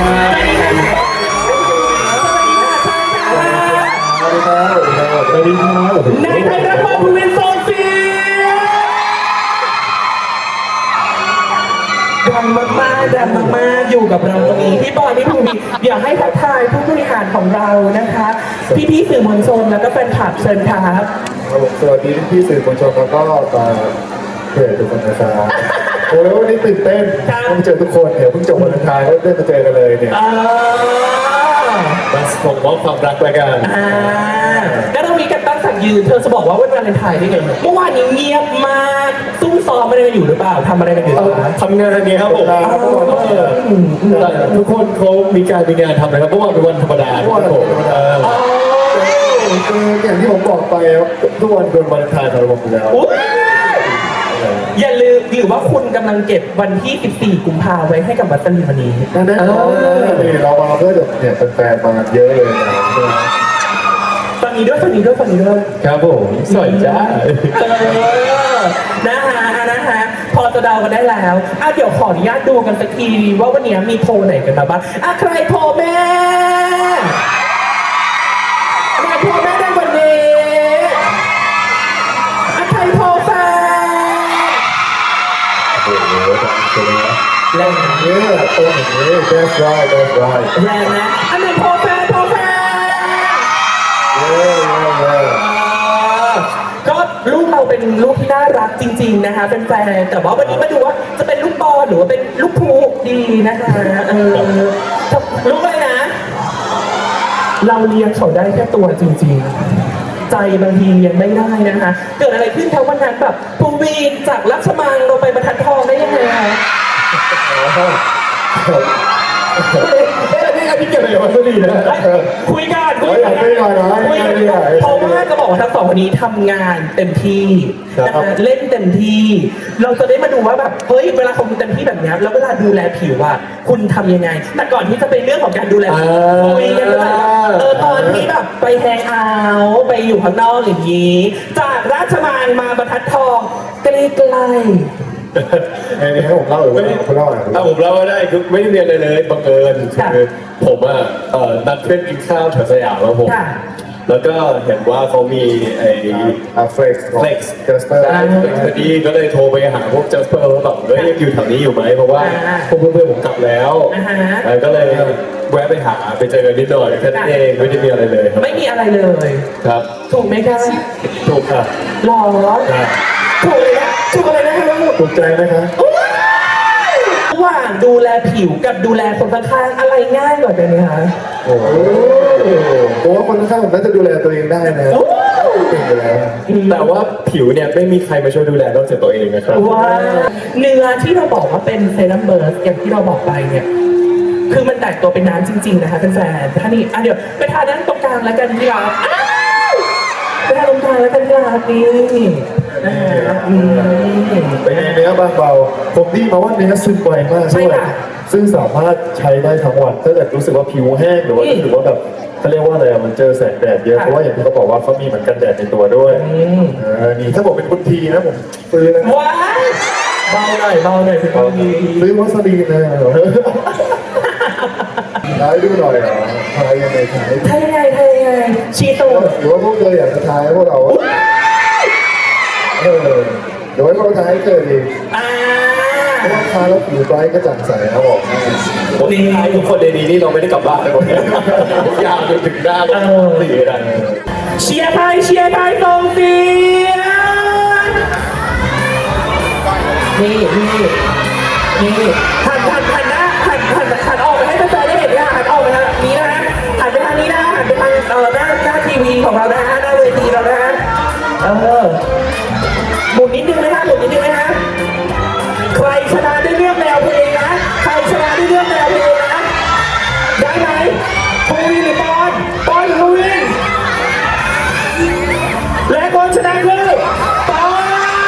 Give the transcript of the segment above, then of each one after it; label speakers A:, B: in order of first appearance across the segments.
A: สวัสดีครับนายไทยรัฐพงศ์ภูมิโซเฟียดังมากๆดังมากๆอยู่กับเราตรงนี้พี่บอยพี่ภูมิอยากให้ทักทายผู้บริหารของเรานะคะพี่ๆสื่อมวลชนแล้วก็แฟนคลับเชิญครับ
B: สวัสดีพี่สื่อมวลชนแล้วก็เพจทุกคนนะครับโอ้แล้ววันนี้ตื่นเต้นต้องเจอทุกคนเพิ่งจบวันทายก็ได้มาเจอกันเลยเนี่ย
A: มาส่งมอบความรักไปกันแล้วเรามีกันตั้งสักยืนเธอจะบอกว่าวันวาเลนไทน์ได้ไงเมื่อวานนี้เงียบมากซุ่มซ้อมอะไรกันอยู่หรือเปล่าทำอะไรกันอยู่
B: ทำงานเนี่ยครับผม
A: ทุกคนเขามีงานทำอะไรครับเมื่อวานเป็นวันธรรมดาครับผม
B: คืออย่างที่ผมบอกไปทุกวันเป็นวันทายของผมอยู่แล้ว
A: อย่าลืมหรือว่าคุณกำลังเก็บวันที่ 14 กุมภาพันธ์ไว้ให้กับวัสลีวันนี้
B: แน่นอนเรามาเพื่อเนี่ยแฟนๆมาเยอะเลยนะ
A: ตอนนี้ด้วย
B: ครับผมสวัสดีจ้า
A: นะคะพอจะเดากันได้แล้วเดี๋ยวขออนุญาตดูกันสักทีว่าวันนี้มีโพลไหนกันบ้างใครโพลแม่โพลแม่ได้วันนี้ใครโพลแฟน
B: แรงเยอะตัวอย่างนี้ that's right
A: แรงนะอันไหนโพลแฟนก็ลูกเราเป็นลูกที่น่ารักจริงๆนะคะเป็นแฟนแต่ว่าวันนี้มาดูว่าจะเป็นลูกบอลหรือว่าเป็นลูกพูดีนะคะลูกอะไรนะเราเลี้ยงเขาได้แค่ตัวจริงๆใจบางทีเลี้ยงไม่ได้นะคะเกิดอะไรขึ้นคะวันนั้นแบบภูวินจากราชมังเราไปบรรทัดทองได้ยังไงคะ
B: พี่เกี่ยวกับวัสดุนะ
A: คุยกันเพราะว่าจะบอกว่าทั้งสองคนนี้ทำงานเต็มที่นะคะเล่นเต็มที่เราจะได้มาดูว่าแบบเฮ้ยเวลาคุณเต็มที่แบบนี้แล้วเวลาดูแลผิวอ่ะคุณทำยังไงแต่ก่อนที่จะเป็นเรื่องของการดูแลคุยกันเลยตอนที่แบบไปแฮงเอาท์ไปอยู่ข้างนอกอย่างนี้จากราชมังมาบรรทัดทองใกล้
B: ให้ผมเล่าหรือว่าคุณเล่า
C: ถ้าผมเล่าไม่ได้คือไม่ได้เรียนอะไรเลยบังเอิญคือผมนัดเพื่อนกินข้าวแถวสยามแล้วผมแล้วก็เห็นว่าเขามี
B: เฟล็กซ์
C: จัสเปอร์พอดีก็เลยโทรไปหาพวกจัสเปอร์แล้วแบบยังอยู่แถวนี้อยู่ไหมเพราะว่าพวกเพื่อนผมกลับแล้วก็เลยแวะไปหาไปเจอกันนิดหน่อยแค่นั้นเองไม่ได้มีอะไรเลย
A: ไม่มีอะไรเลย
C: ครับ
A: ถูกไหมคะ
C: ถูกค่ะ
A: หรอถูกเลยนะถูกอะไรนะคะลูก
B: ถูกใจไหมคะ
A: ระหว่างดูแลผิวกับดูแลคนข้างๆอะไรง่ายกว่ากันคะ
B: โอ้โหผมว่าคนข้างๆผมน่าจะดูแลตัวเองได้นะเก่งไปแล้ว
C: แต่ว่าผิวเนี่ยไม่มีใครมาช่วยดูแลนอกจากตัวเองนะครับ
A: ว่าเนื้อที่เราบอกว่าเป็นเซรั่มเบิร์สอย่างที่เราบอกไปเนี่ยคือมันแตกตัวเป็นน้ำจริงๆนะคะแฟนๆท่านี้เดี๋ยวไปทาด้านตรงกลางแล้วกันดีกว่าไปทาตรงกลางแล้วกันดีกว่านี่
B: เป็นไงเนื้อบางเบาผมดีมาว่าเนื้อซึมไวมากใช่ไหมซึ่งสามารถใช้ได้ทั้งวันถ้าเกิดรู้สึกว่าผิวแห้งหรือว่ารู้สึกว่าแบบเขาเรียกว่าอะไรมันเจอแสงแดดเยอะเพราะว่าอย่างที่เขาบอกว่าเขามีเหมือนกันแดดในตัวด้วยนี่ถ้าผมเป็นคุณทีนะผมซื้อนะ
A: ว้ายเบาหน่อยพี่
B: คนทีซื้อวัสดุเลยท้ายดูหน่อยเหรอท้ายยังไง
A: ชีโต
B: หรือว่าพวกเธออยากจะท้ายพวกเราเดี๋ยวให้พวกเราท้ายเกิดอีกเพราะว่าท้ายแล้วผิวไบรท์ก็จัดใสนะบอก
C: วันนี้ท้ายทุกคนในนี้นี่เราไม่ได้กลับบ้านเลยผมทุกอย่างจนถึงหน้าเราสี่ได้
A: เชียร์ไทยส่งเสียงนี่หันออกไปให้แฟนๆได้เห็นนะหันออกไปทางนี้นะหันไปทางนี้นะหันไปทางหน้าทีวีของเรานะหน้าเวทีเรานะหมุนนิดนึงไหมฮะใครชนะได้เลือกแนวเพลงนะได้ไหมภูวินหรือปอนหรือภูวินและคนชนะคือปอน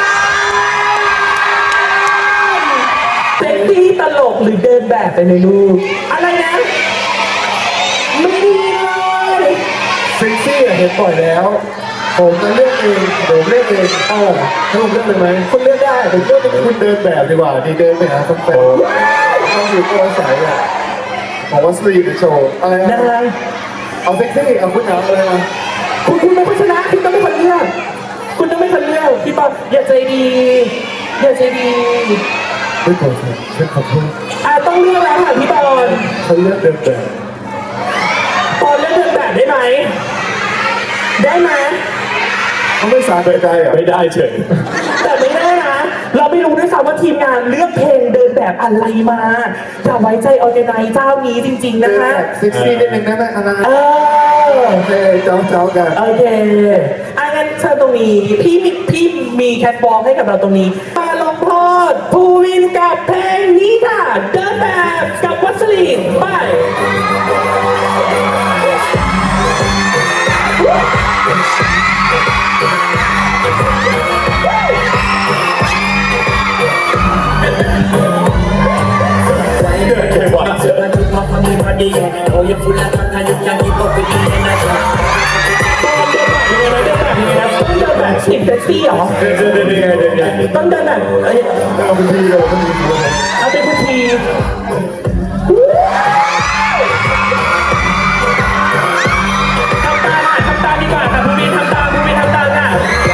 A: เซ็กซี่ตลกหรือเดินแบบไปในรูปอะไรนะไม่ดีเลย
B: เซ็กซี่เห็นบ่อยแล้วผมจะเลือกเองถ้าผมเลือกเลยไหมคุณเลือกได้ผมเลือกเป็นคุณเดินแบบดีกว่าดีเดินไปหาคนแฟนต้องอยู่ตัวใสอ่ะของวัสลีนโชว์อะไร
A: นะ
B: นะเอาเซ็กซี่เอาคุณหนาอะไรนะ
A: คุณเป็นคนชนะคุณต้องเป็นคนเลือกคุณต้องเป็นคนเลือกพี่บอลอย่าใจดีอย่าใจดี
B: ไม่ขอโทษฉันขอโทษ
A: ต้องเลือกแล้วค่ะพี่บอล
B: ฉันเลือกเดินแบบ
A: บอลเลือกเดินแบบได้ไหมได้ไหม
B: เขาไม่สารใจอ่ะ
C: ไม่ได้เฉย
A: แต่ไม่ได้นะ เราไม่รู้ด้วยซ้ำว่าทีมงานเลือกเพลงเดินแบบอะไรมาอย่าไว้ใจออร์แกไนซ์เจ้านี้จริง ๆ
B: เดิ
A: นะ
B: นแบ
A: คะ
B: บเซ็กซี่นิดนึงได้ไหมอันนั้น
A: โอ
B: โอเคเจ้ากัน
A: เคงั้นเชิญตรงนี้พี่มีแคทวอล์กให้กับเราตรงนี้มาลงโทษภูวินกับเพลงนี้ค่ะเดินแบบกับวัสลีนไป
D: Oh, you're full of fun, you can't keep up with me and I can't.
A: ตอนเดินแบบยังไงนะเดินแบบยังไงนะต้องเดินแบบติดแท็กซี่เหรอ
C: เดิน
A: ต้องเดินแบบ
B: เอาไปทีเลยเอาไปทีเลย
A: เอาเป็นพิธีทำตามดีกว่าค่ะภูมิทำตามค่ะ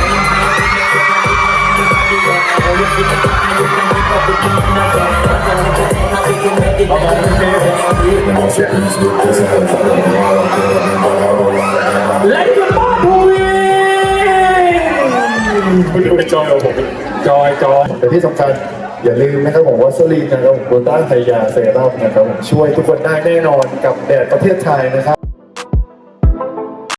D: Oh, you're full of fun, you can't keep up with me and I can't. We can make it better.
A: และคุณพ่อภูมิ
C: คุณดูเป็นจอยของผมจอย
B: แต่ที่สำคัญอย่าลืมนะครับผมวัสลีนนะครับผมโกต้าไฮยาเซรั่มนะครับผมช่วยทุกคนได้แน่นอนกับแดดประเทศไทยนะครับ